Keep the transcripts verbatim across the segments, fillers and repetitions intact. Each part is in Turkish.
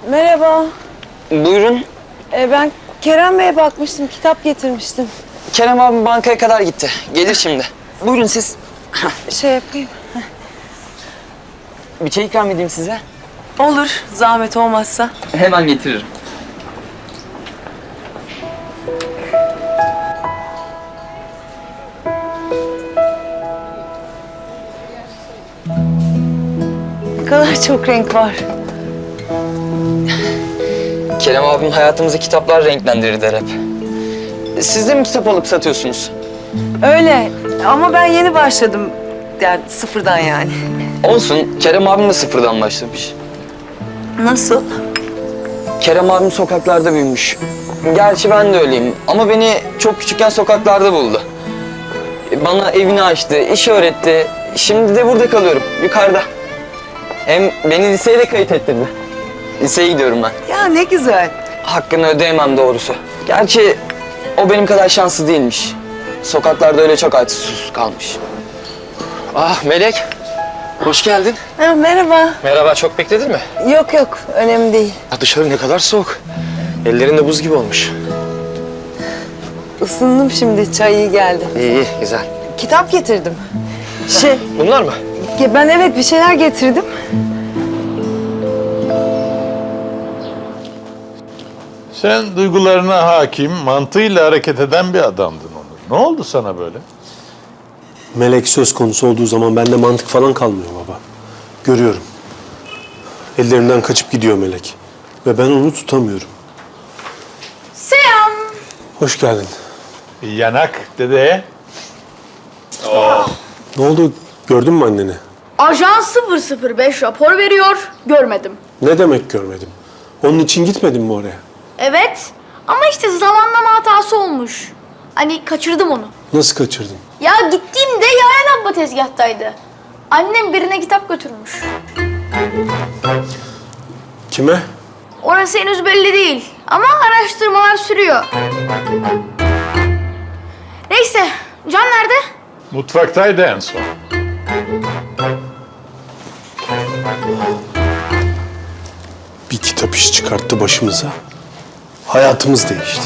Merhaba. Buyurun. Ee, ben Kerem Bey'e bakmıştım, kitap getirmiştim. Kerem abim bankaya kadar gitti. Gelir şimdi. Buyurun siz. Şey yapayım. Bir çay ikram edeyim size. Olur, zahmet olmazsa. Hemen getiririm. Ne kadar çok renk var. Kerem abim hayatımızı kitaplar renklendirir der hep. Siz de mi kitap alıp satıyorsunuz? Öyle ama ben yeni başladım. Yani sıfırdan yani. Olsun. Kerem abim de sıfırdan başlamış. Nasıl? Kerem abim sokaklarda büyümüş. Gerçi ben de öyleyim ama beni çok küçükken sokaklarda buldu. Bana evini açtı, iş öğretti. Şimdi de burada kalıyorum, yukarıda. Hem beni liseye de kayıt ettirdi. Liseye gidiyorum ben. Ya ne güzel. Hakkını ödeyemem doğrusu. Gerçi o benim kadar şanslı değilmiş. Sokaklarda öyle çok açsız susuz kalmış. Ah Melek, hoş geldin. Ha, merhaba. Merhaba, çok bekledin mi? Yok yok, önemli değil. Ya dışarı ne kadar soğuk. Ellerin de buz gibi olmuş. Isındım şimdi, çay iyi geldi. İyi, iyi, güzel. Kitap getirdim. Şey, Bunlar mı? ben evet bir şeyler getirdim. Sen duygularına hakim, mantığıyla hareket eden bir adamdın Onur. Ne oldu sana böyle? Melek söz konusu olduğu zaman bende mantık falan kalmıyor baba. Görüyorum. Ellerimden kaçıp gidiyor Melek. Ve ben onu tutamıyorum. Selam. Hoş geldin. Bir yanak dede. Ne oldu? Gördün mü anneni? Ajan sıfır sıfır beş rapor veriyor. Görmedim. Ne demek görmedim? Onun için gitmedin mi oraya? Evet. Ama işte zamanlama hatası olmuş. Hani kaçırdım onu. Nasıl kaçırdın? Ya gittiğimde Yaren abla tezgahtaydı. Annem birine kitap götürmüş. Kime? Orası henüz belli değil. Ama araştırmalar sürüyor. Neyse. Can nerede? Mutfaktaydı en son. Bir kitap iş çıkarttı başımıza. Hayatımız değişti.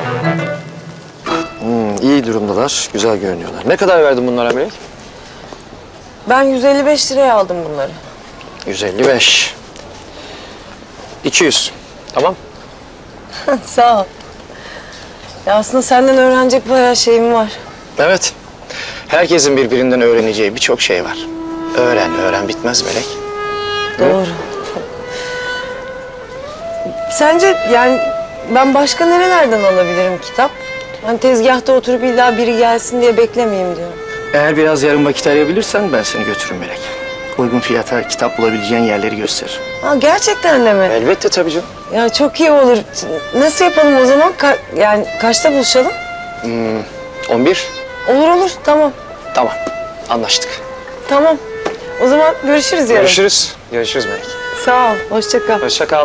Hmm, iyi durumdalar, güzel görünüyorlar. Ne kadar verdin bunlara Melek? Ben yüz elli beş liraya aldım bunları. yüz elli beş. iki yüz. Tamam. Sağ ol. Ya aslında senden öğrenecek bayağı şeyim var. Evet. Herkesin birbirinden öğreneceği birçok şey var. Öğren, öğren bitmez Melek. Doğru. Sence yani ben başka nerelerden alabilirim kitap? Hani tezgahta oturup illa biri gelsin diye beklemeyeyim diyorum. Eğer biraz yarım vakit ayırabilirsen ben seni götürürüm Melek. Uygun fiyata kitap bulabileceğin yerleri gösteririm. Ha gerçekten de mi? Elbette tabii canım. Ya çok iyi olur. Nasıl yapalım o zaman? Ka- yani kaçta buluşalım? on bir. Olur olur tamam. Tamam. Anlaştık. Tamam. O zaman görüşürüz yarın. Görüşürüz. Görüşürüz Melek. Sağ ol. Hoşça kal. Hoşça kal.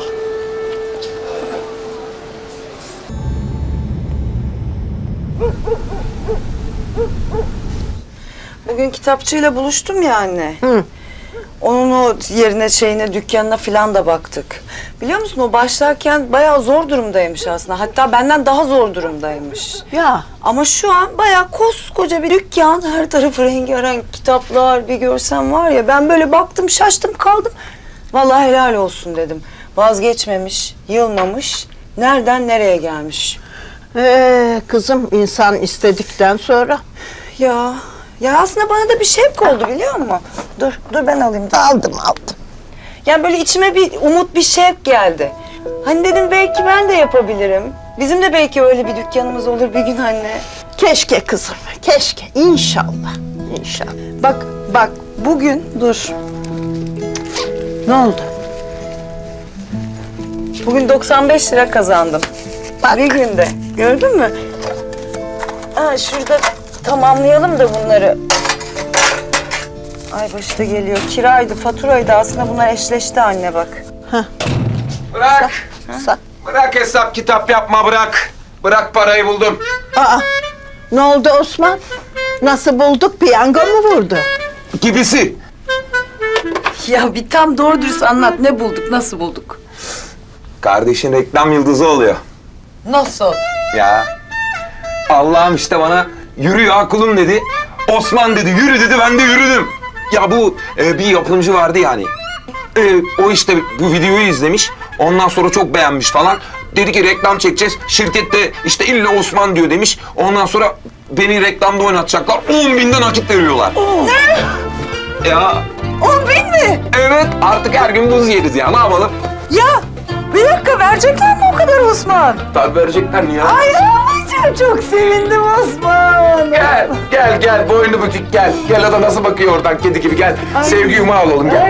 Bugün kitapçıyla buluştum ya anne. Hı. Onun o yerine şeyine dükkanına falan da baktık. Biliyor musun o başlarken bayağı zor durumdaymış aslında. Hatta benden daha zor durumdaymış. Ya Ama şu an bayağı koskoca bir dükkan. Her tarafı rengarenk kitaplar bir görsem var ya. Ben böyle baktım şaştım kaldım. Vallahi helal olsun dedim. Vazgeçmemiş, yılmamış. Nereden nereye gelmiş. ee, kızım insan istedikten sonra Ya, ya aslında bana da bir şevk oldu biliyor musun? Dur, dur ben alayım. aldım aldım. Yani böyle içime bir umut, bir şevk geldi. Hani dedim belki ben de yapabilirim. Bizim de belki öyle bir dükkanımız olur bir gün anne. Keşke kızım, keşke. İnşallah, inşallah. Bak, bak bugün dur. Ne oldu? Bugün doksan beş lira kazandım. Bak. Bir günde. Gördün mü? Ha, şurada tamamlayalım da bunları. Ay başı da geliyor. Kiraydı, faturaydı. Aslında bunlar eşleşti anne bak. Bırak. Sa- Bırak hesap kitap yapma bırak. Bırak parayı buldum. Aa, ne oldu Osman? Nasıl bulduk? Piyango mu vurdu? Gibisi. Ya bir tam doğru dürüst anlat. Ne bulduk, nasıl bulduk? Kardeşin reklam yıldızı oluyor. Nasıl? Ya. Allah'ım işte bana yürü ya kulum dedi. Osman dedi yürü dedi, ben de yürüdüm. Ya bu e, bir yapımcı vardı yani. E, o işte bu videoyu izlemiş. Ondan sonra çok beğenmiş falan. Dedi ki reklam çekeceğiz. Şirkette işte illa Osman diyor demiş. Ondan sonra beni reklamda oynatacaklar. on binden nakit veriyorlar. Ne? Ya. On bin mi? Evet, artık her gün buz yeriz ya, ne yapalım? Ya bir dakika, verecekler mi o kadar Osman? Tabii verecekler mi ya? Ay anneciğim, çok sevindim Osman. Gel, gel, gel. Boynu bükük gel. Gel, o da nasıl bakıyor oradan kedi gibi, gel. Sevgi yumağı alalım, gel. Ay.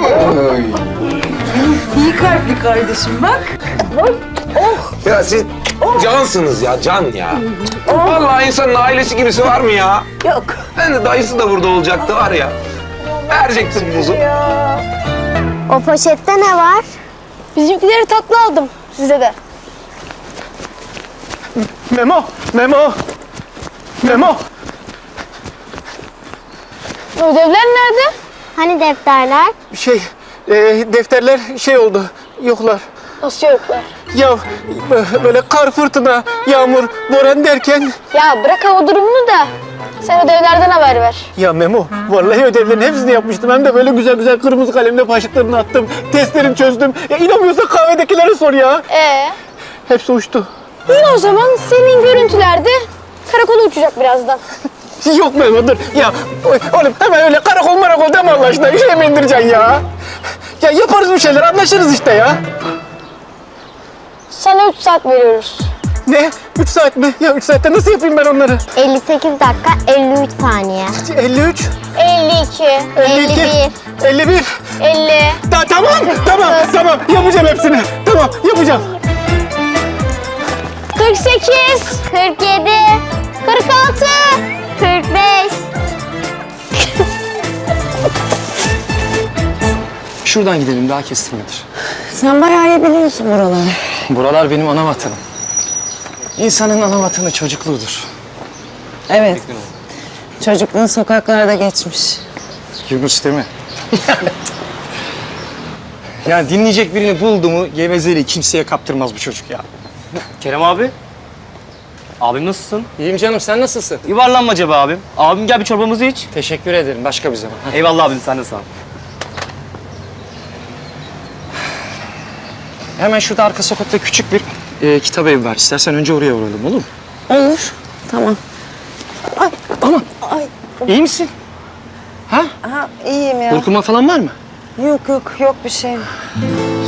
İyi kalpli kardeşim bak. Ya siz cansınız ya, can ya. Vallahi insanın ailesi gibisi var mı ya? Yok. Ben de dayısı da burada olacaktı var ya. Vereceksin buzu. O poşette ne var? Bizimkileri tatlı aldım. Size de. Memo, Memo, Memo. Ödevler nerede? Hani defterler? Şey, e, defterler şey oldu, yoklar. Nasıl yoklar? Ya bö- böyle kar, fırtına, yağmur, boran derken... Ya bırak hava durumunu da. Sen ödevlerden haber ver. Ya Memo, vallahi ödevlerin hepsini yapmıştım. Hem de böyle güzel güzel kırmızı kalemle başlıklarını attım. Testlerini çözdüm. Ya inanmıyorsan kahvedekilere sor ya. Ee, Hepsi uçtu. iyi o zaman senin görüntülerde karakola uçacak birazdan. Yok Memo dur. Ya oğlum hemen öyle karakol marakol deme Allah aşkına. Üşüye mi indireceksin ya? Ya yaparız bir şeyler, anlaşırız işte ya. Sana üç saat veriyoruz. Ne? Üç saat mi? Ya üç saatte nasıl yapayım ben onları? elli sekiz dakika elli üç saniye. elli üç, elli iki, elli iki, elli bir. elli. Ta tamam, tamam, tamam. Yapacağım hepsini. Tamam, yapacağım. kırk sekiz, kırk yedi, kırk altı. kırk beş. Şuradan gidelim, daha kestirmedir. Sen bayağı iyi biliyorsun buraları. Buralar benim ana vatanım. İnsanın ana vatanı çocukluğudur. Evet. Çocukluğun sokaklarda geçmiş. Yunus değil mi? Yani dinleyecek birini buldu mu gevezeliği kimseye kaptırmaz bu çocuk ya. Kerem abi. Abim nasılsın? İyiyim canım, sen nasılsın? Yuvarlanmaca be abim. Abim gel bir çorbamızı iç. Teşekkür ederim, başka bir zaman. Eyvallah abim, sen de sağ ol. Hemen şurada arka sokakta küçük bir e, kitap evi var. İstersen önce oraya uğrayalım, olur mu? Olur. Tamam. Ay, Aman, ay. iyi misin? Ha? Ha, iyiyim ya. Burkulma falan var mı? Yok yok yok bir şeyim.